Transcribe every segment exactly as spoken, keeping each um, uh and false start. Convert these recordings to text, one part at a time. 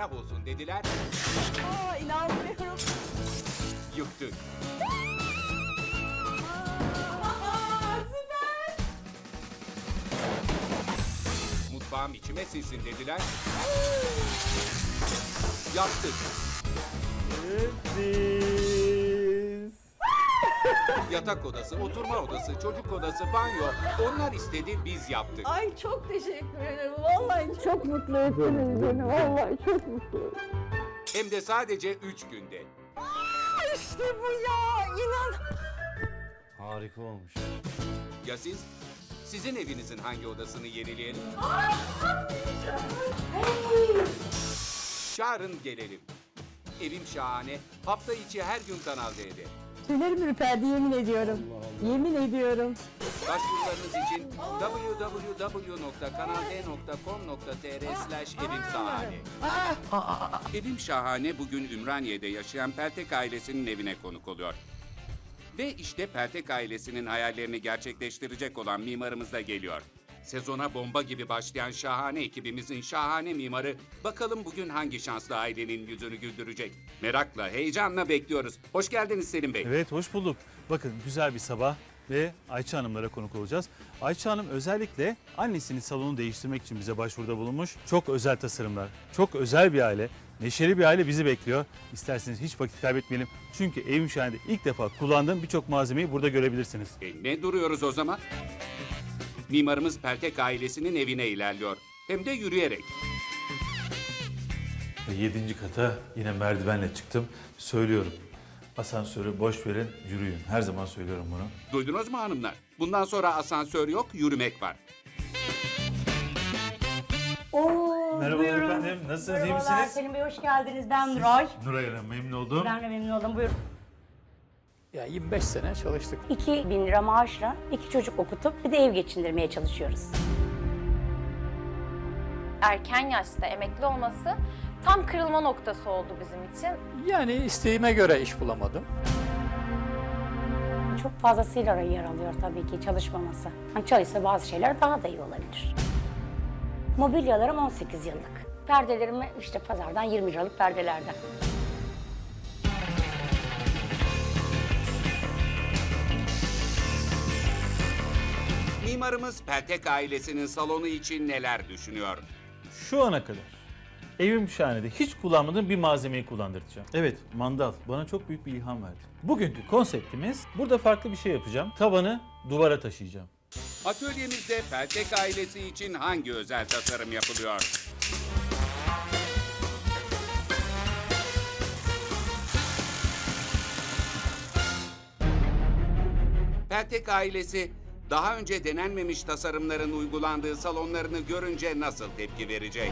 harap olsun dediler. Aa, inanmıyorum. Yıktık. Aa, süper. Mutfağım içime sinsin dediler. Yaptık. Biz. Yatak odası, oturma odası, çocuk odası, banyo. Onlar istedi, biz yaptık. Ay çok teşekkür ederim. Vallahi çok mutlu ettiniz beni. Vallahi çok mutlu. Hem de sadece üç günde. Aa, işte bu ya. İnan. Harika olmuş. Ya siz? Sizin evinizin hangi odasını yenileyelim? Çağırın gelelim. Evim şahane. Hafta içi her gün Kanal D'de. Tüylerim ürperdi yemin ediyorum. Yemin ediyorum. Başvurularınız için w w w nokta kanal d nokta com nokta t r slash evim şahane. Evim Şahane bugün Ümraniye'de yaşayan Peltek ailesinin evine konuk oluyor. Ve işte Peltek ailesinin hayallerini gerçekleştirecek olan mimarımız da geliyor. Sezona bomba gibi başlayan şahane ekibimizin şahane mimarı bakalım bugün hangi şanslı ailenin yüzünü güldürecek. Merakla, heyecanla bekliyoruz. Hoş geldiniz Selim Bey. Evet, hoş bulduk. Bakın güzel bir sabah ve Ayça Hanımlara konuk olacağız. Ayça Hanım özellikle annesinin salonunu değiştirmek için bize başvuruda bulunmuş. Çok özel tasarımlar, çok özel bir aile, neşeli bir aile bizi bekliyor. İsterseniz hiç vakit kaybetmeyelim. Çünkü Evim Şahane'de ilk defa kullandığım birçok malzemeyi burada görebilirsiniz. E, ne duruyoruz o zaman? Mimarımız Peltek ailesinin evine ilerliyor. Hem de yürüyerek. Ve yedinci kata yine merdivenle çıktım. Söylüyorum. Asansörü boş verin, yürüyün. Her zaman söylüyorum bunu. Duydunuz mu hanımlar? Bundan sonra asansör yok, yürümek var. Oo, Merhabalar buyurun. efendim. Nasılsınız, iyi Merhabalar misiniz? Selim Bey, hoş geldiniz. Ben Nuray. Nuray Hanım, memnun oldum. Ben de memnun oldum. Buyurun. Ya yirmi beş sene çalıştık. iki bin lira maaşla iki çocuk okutup bir de ev geçindirmeye çalışıyoruz. Erken yaşta emekli olması tam kırılma noktası oldu bizim için. Yani isteğime göre iş bulamadım. Çok fazlasıyla yer alıyor tabii ki çalışmaması. Hani çalışsa bazı şeyler daha da iyi olabilir. Mobilyalarım on sekiz yıllık. Perdelerim işte pazardan yirmi liralık perdelerden. Mimarımız Peltek ailesinin salonu için neler düşünüyor? Şu ana kadar Evim Şahane'de hiç kullanmadığım bir malzemeyi kullandıracağım. Evet, mandal bana çok büyük bir ilham verdi. Bugünkü konseptimiz, burada farklı bir şey yapacağım. Tavanı duvara taşıyacağım. Atölyemizde Peltek ailesi için hangi özel tasarım yapılıyor? Peltek ailesi daha önce denenmemiş tasarımların uygulandığı salonlarını görünce nasıl tepki verecek?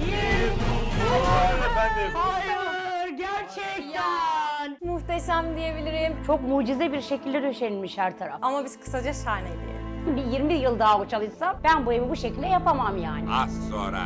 Hayır, gerçekten. Muhteşem diyebilirim. Çok mucize bir şekilde döşenilmiş her taraf. Ama biz kısaca şahane diye. Bir yirmi yıl daha bu çalışsam ben bu evi bu şekilde yapamam yani. Az sonra.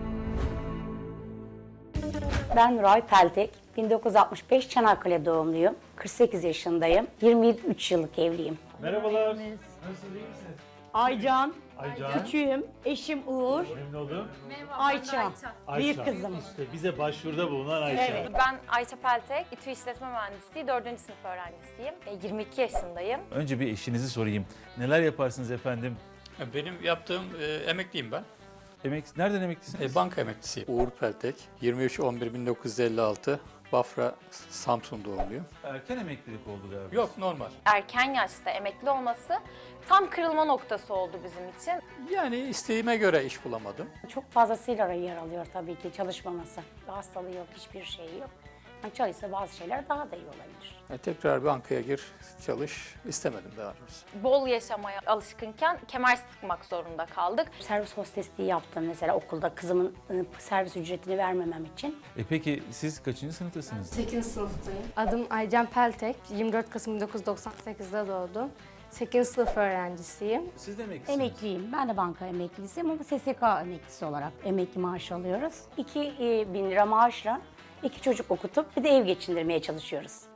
Ben Nuray Peltek, bin dokuz yüz altmış beş Çanakkale doğumluyum. kırk sekiz yaşındayım. yirmi üç yıllık evliyim. Merhabalar. Nasılsınız, iyi misiniz? Aycan, Aycan. küçüğüm, eşim Uğur, Memnun oldum. Ayça, büyük Ayça. kızım. İşte bize başvuruda bulunan Ayça. Evet. Ben Ayça Peltek, İTÜ İşletme Mühendisliği dördüncü sınıf öğrencisiyim. E, yirmi iki yaşındayım. Önce bir eşinizi sorayım. Neler yaparsınız efendim? Benim yaptığım e, emekliyim ben. Emek, nereden emeklisiniz? E, banka emeklisiyim. Uğur Peltek, yirmi üç on bir bin dokuz yüz elli altı, Bafra, Samsun doğumluyum. Erken emeklilik oldu galiba. Yok, normal. Erken yaşta emekli olması tam kırılma noktası oldu bizim için. Yani isteğime göre iş bulamadım. Çok fazlasıyla yer alıyor tabii ki çalışmaması. Hastalığı yok, hiçbir şeyi yok. Yani çalışsa bazı şeyler daha da iyi olabilir. E, tekrar bankaya gir, çalış istemedim daha doğrusu. Bol yaşamaya alışkınken kemer sıkmak zorunda kaldık. Servis hostesliği yaptım mesela okulda kızımın ı, servis ücretini vermemem için. E peki siz kaçıncı sınıftasınız? sekizinci sınıftayım. Adım Aycan Peltek. yirmi dört Kasım bin dokuz yüz doksan sekizde doğdum. sekizinci sınıf öğrencisiyim. Siz de emeklisiniz. Emekliyim. Ben de banka emeklisiyim ama S S K emeklisi olarak emekli maaşı alıyoruz. iki bin lira maaşla iki çocuk okutup bir de ev geçindirmeye çalışıyoruz.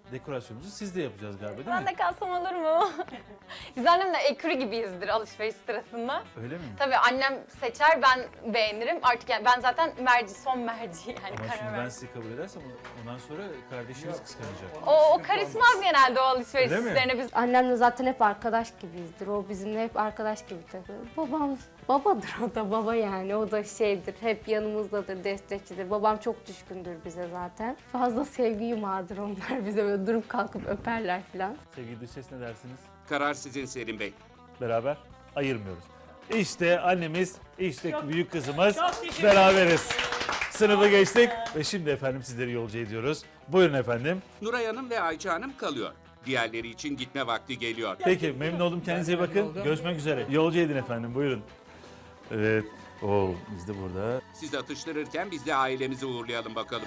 dekorasyonumuzu siz de yapacağız galiba değil Ben mi? de kalsam olur mu? Biz annemle ekürü gibiyizdir alışveriş sırasında. Öyle mi? Tabii annem seçer, ben beğenirim. Artık yani ben zaten merci, son merci yani Ama karar şimdi ben verdim. sizi kabul edersem ondan sonra kardeşiniz kıskanacak. O, o karışmaz genelde o alışveriş Öyle mi? işlerine. Biz Annemle zaten hep arkadaş gibiyizdir. O bizimle hep arkadaş gibi takılır. Babam, babadır o da baba yani. O da şeydir, hep yanımızdadır, destekçidir. Babam çok düşkündür bize zaten. Fazla sevgi yumağıdır onlar bize. Böyle durup kalkıp öperler falan. Sevgili dış ses ne dersiniz? Karar sizin Selim Bey. Beraber ayırmıyoruz. İşte annemiz, işte büyük kızımız. Beraberiz. Sınıfı geçtik ve şimdi efendim sizleri yolcu ediyoruz. Buyurun efendim. Nuray Hanım ve Ayça Hanım kalıyor. Diğerleri için gitme vakti geliyor. Peki memnun oldum. Kendinize iyi bakın. Görüşmek üzere. Yolcu edin efendim. Buyurun. Evet. Oo, biz de burada. Siz atıştırırken biz de ailemizi uğurlayalım bakalım.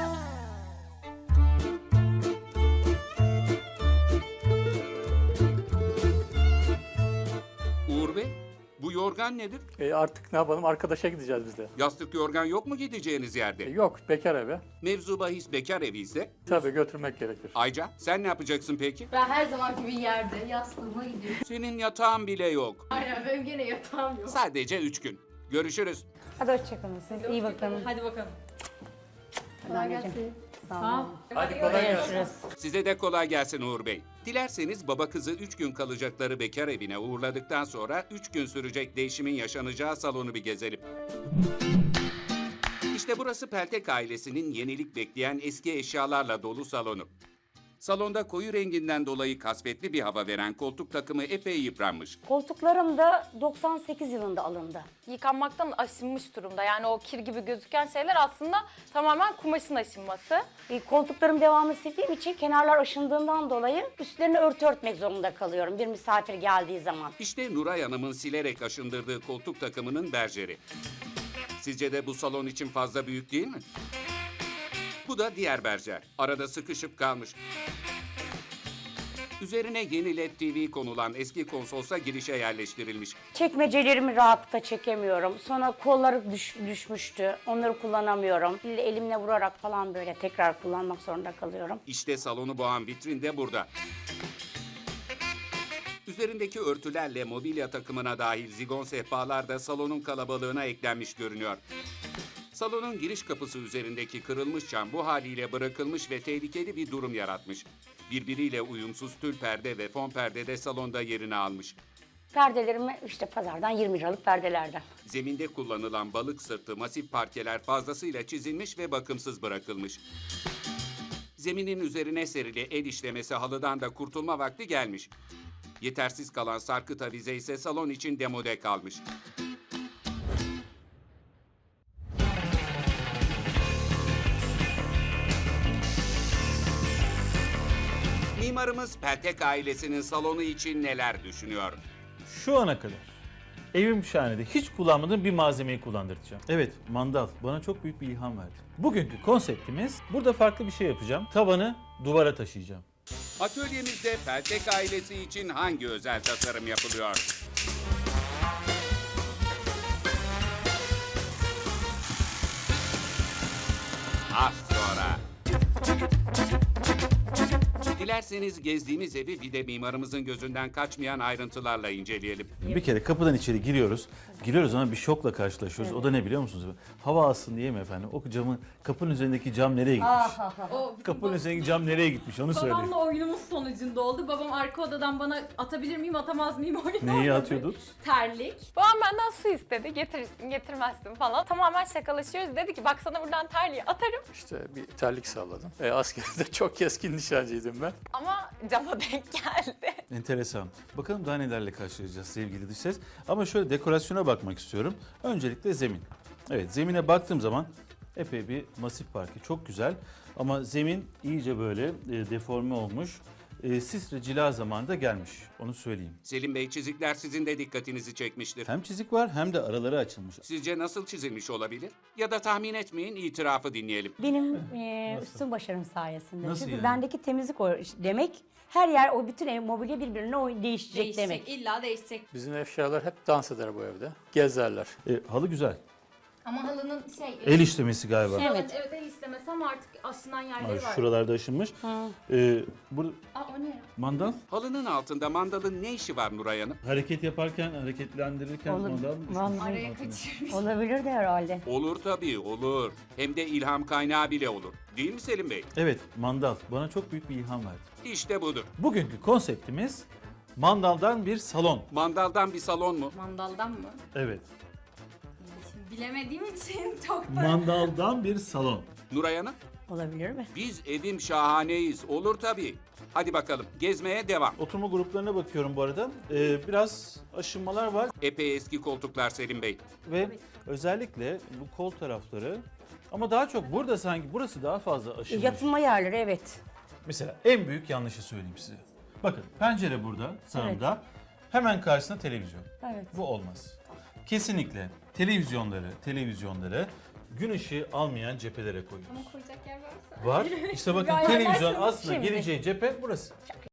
Uğur Bey, bu yorgan nedir? E artık ne yapalım, arkadaşa gideceğiz biz de. Yastık yorgan yok mu gideceğiniz E yerde? yok, bekar evi. Mevzu bahis bekar evi ise. Tabii götürmek gerekir. Ayca, sen ne yapacaksın peki? Ben her zamanki bir yerde yastığıma gidiyorum. Senin yatağın bile yok. Aynen benim gene yatağım yok. Sadece üç gün. Görüşürüz. Hadi hoşçakalın siz. İyi bakın. Hadi bakalım. Hadi anneciğim. Sağ ol. Hadi kolay gelsin. Görüşürüz. Size de kolay gelsin Uğur Bey. Dilerseniz baba kızı üç gün kalacakları bekar evine uğurladıktan sonra üç gün sürecek değişimin yaşanacağı salonu bir gezelim. İşte burası Peltek ailesinin yenilik bekleyen eski eşyalarla dolu salonu. Salonda koyu renginden dolayı kasvetli bir hava veren koltuk takımı epey yıpranmış. Koltuklarım da doksan sekiz yılında alındı. yıkanmaktan aşınmış durumda. Yani o kir gibi gözüken şeyler aslında tamamen kumaşın aşınması. E, koltuklarım devamlı sildiğim için kenarlar aşındığından dolayı üstlerini örtü örtmek zorunda kalıyorum bir misafir geldiği zaman. İşte Nuray Hanım'ın silerek aşındırdığı koltuk takımının berjeri. Sizce de bu salon için fazla büyük değil mi? Bu da diğer berjer. Arada sıkışıp kalmış. Üzerine yeni L E D T V konulan eski konsolsa girişe yerleştirilmiş. Çekmecelerimi rahatlıkla çekemiyorum. Sonra kolları düş- düşmüştü. Onları kullanamıyorum. Elimle vurarak falan böyle tekrar kullanmak zorunda kalıyorum. İşte salonu boğan vitrin de burada. Üzerindeki örtülerle mobilya takımına dahil zigon sehpalar da salonun kalabalığına eklenmiş görünüyor. Salonun giriş kapısı üzerindeki kırılmış cam bu haliyle bırakılmış ve tehlikeli bir durum yaratmış. Birbiriyle uyumsuz tül perde ve fon perde de salonda yerini almış. Perdelerimi işte pazardan yirmi liralık perdelerden. Zeminde kullanılan balık sırtı masif parkeler fazlasıyla çizilmiş ve bakımsız bırakılmış. Zeminin üzerine serili el işlemesi halıdan da kurtulma vakti gelmiş. Yetersiz kalan sarkıt avize ise salon için demode kalmış. Mimarımız Peltek ailesinin salonu için neler düşünüyor? Şu ana kadar evim şahanede hiç kullanmadığım bir malzemeyi kullandıracağım. Evet, mandal bana çok büyük bir ilham verdi. Bugünkü konseptimiz, burada farklı bir şey yapacağım. Tavanı duvara taşıyacağım. Atölyemizde Peltek ailesi için hangi özel tasarım yapılıyor? Az sonra. Dilerseniz gezdiğimiz evi bir de mimarımızın gözünden kaçmayan ayrıntılarla inceleyelim. Bir kere kapıdan içeri giriyoruz. Giriyoruz ama bir şokla karşılaşıyoruz. O da ne biliyor musunuz? Hava alsın diye mi efendim? O camın, kapının üzerindeki cam nereye gitmiş? O Kapının üzerindeki cam nereye gitmiş onu söyleyin. babamla oyunumuz sonucunda oldu. Babam arka odadan bana atabilir miyim atamaz mıyım oyunu Neyi oynadı. atıyordunuz? Terlik. Babam benden su istedi. Getirirsin, getirmezsin falan. Tamamen şakalaşıyoruz. Dedi ki bak sana buradan terliği atarım. İşte bir terlik salladım. E, askerde çok keskin nişancıydım ben. Ama cama denk geldi. Enteresan. Bakalım daha nelerle karşılaşacağız sevgili dış ses. Ama şöyle dekorasyona bakmak istiyorum. Öncelikle zemin. Evet, zemine baktığım zaman epey bir masif parke. Çok güzel. Ama zemin iyice böyle e, deforme olmuş. E, sisre cila zamanında gelmiş. Onu söyleyeyim. Selim Bey, çizikler sizin de dikkatinizi çekmiştir. Hem çizik var hem de araları açılmış. Sizce nasıl çizilmiş olabilir? Ya da tahmin etmeyin, itirafı dinleyelim. Benim e, üstün başarım sayesinde. Nasıl Çünkü yani? bendeki temizlik o demek her yer o bütün ev mobilya birbirine oy- değişecek, demek. illa değişecek. Bizim eşyalar hep dans eder bu evde. Gezerler. E, halı güzel. Ama halının şey... El işlemesi galiba. Evet. Evet. Evet el istemesi ama artık aşınan yerleri Ay, var. şuralarda aşınmış. Ee, burada Aa o ne? mandal. Halının altında mandalın ne işi var Nuray Hanım? Hareket yaparken, hareketlendirirken Olur. mandal. Vallahi Araya kaçırmış. olabilir de herhalde. Olur tabii, olur. Hem de ilham kaynağı bile olur. Değil mi Selim Bey? Evet, mandal. Bana çok büyük bir ilham verdi. İşte budur. Bugünkü konseptimiz mandaldan bir salon. Mandaldan bir salon mu? Mandaldan mı? Evet. Şimdi bilemediğim için çok da... Mandaldan bir salon. Nuray Hanım? Olabilir mi? Biz evim şahaneyiz. Olur tabii. Hadi bakalım, gezmeye devam. Oturma gruplarına bakıyorum bu arada. Ee, biraz aşınmalar var Epey eski koltuklar Selim Bey. ve özellikle bu kol tarafları ama daha çok burada sanki burası daha fazla aşınmış. Yatılma yerleri evet. Mesela en büyük yanlışı söyleyeyim size. Bakın pencere burada sağımda. Hemen karşısında televizyon. Evet. Bu olmaz. Kesinlikle televizyonları, televizyonları gün ışığı almayan cephelere koyuyoruz. Ama koyacak yer varsa. Var. İşte bakın Gayet televizyon başlamış aslında şimdi. geleceği cephe burası.